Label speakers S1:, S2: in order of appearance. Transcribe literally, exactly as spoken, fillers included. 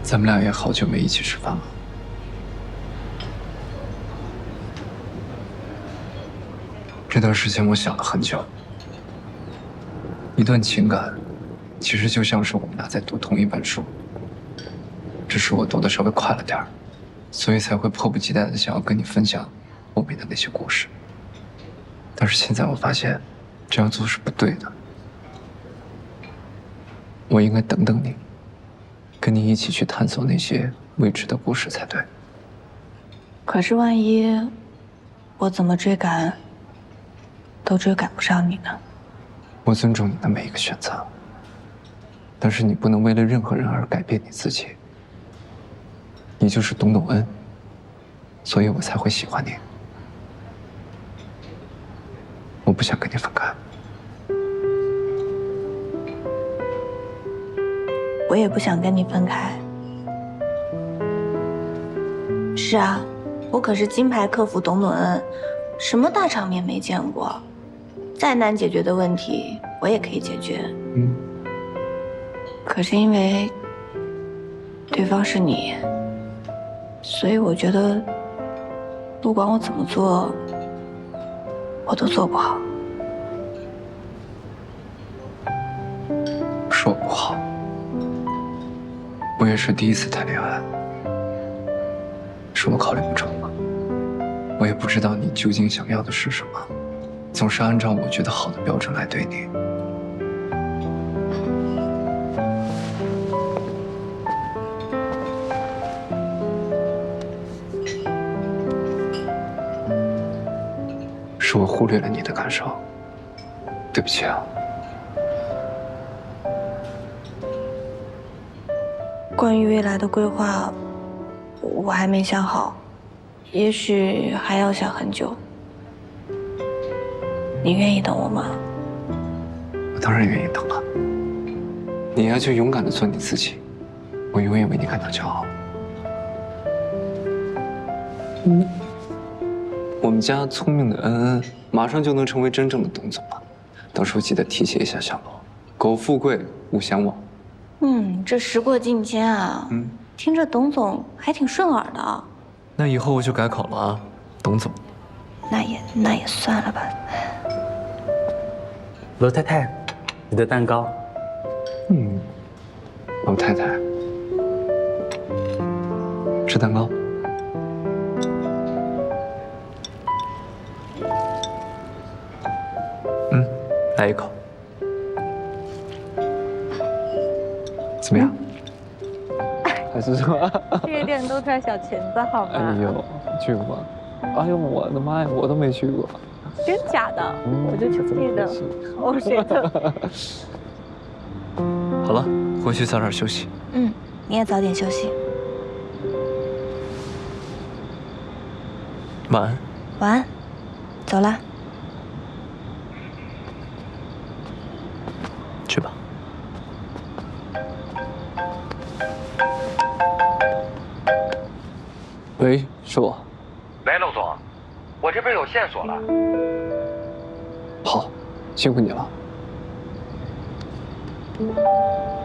S1: 咱们俩也好久没一起吃饭了。这段时间我想了很久，一段情感，其实就像是我们俩在读同一本书，只是我读的稍微快了点儿，所以才会迫不及待的想要跟你分享后面的那些故事。但是现在我发现，这样做是不对的。我应该等等你，跟你一起去探索那些未知的故事才对。
S2: 可是万一我怎么追赶，都追赶不上你呢？
S1: 我尊重你的每一个选择，但是你不能为了任何人而改变你自己。你就是董董恩，所以我才会喜欢你。我不想跟你分开。
S2: 我也不想跟你分开。是啊，我可是金牌客服董董恩，什么大场面没见过，再难解决的问题我也可以解决。
S1: 嗯。
S2: 可是因为对方是你，所以我觉得不管我怎么做，我都做不好。
S1: 是我不好，我也是第一次谈恋爱，是我考虑不周了。我也不知道你究竟想要的是什么，总是按照我觉得好的标准来对你。是我忽略了你的感受，对不起啊。
S2: 关于未来的规划，我还没想好，也许还要想很久。你愿意等我吗？
S1: 我当然愿意等了。你呀，就勇敢的做你自己，我永远为你感到骄傲。嗯。我们家聪明的恩恩马上就能成为真正的董总了，到时候记得提携一下小罗，苟富贵勿相忘。
S2: 嗯，这时过境迁啊，嗯，听着董总还挺顺耳的啊。
S1: 那以后我就改口了啊，董总。
S2: 那也那也算了吧。
S3: 罗太太，你的蛋糕。
S1: 嗯，老太太，吃蛋糕。嗯，来一口。怎么样？还是说
S4: 这个店都赚小钱子，好吗？
S1: 哎呦，去过吗？哎呦，我的妈呀，我都没去过。
S4: 真假的？嗯、我就记得。哦，谁的？
S1: 好了，回去早点休息。
S2: 嗯，你也早点休息。
S1: 晚安。
S2: 晚安，走了。
S1: 去吧。喂，是我。
S5: 喂，陆总，我这边有线索了。
S1: 好，辛苦你了。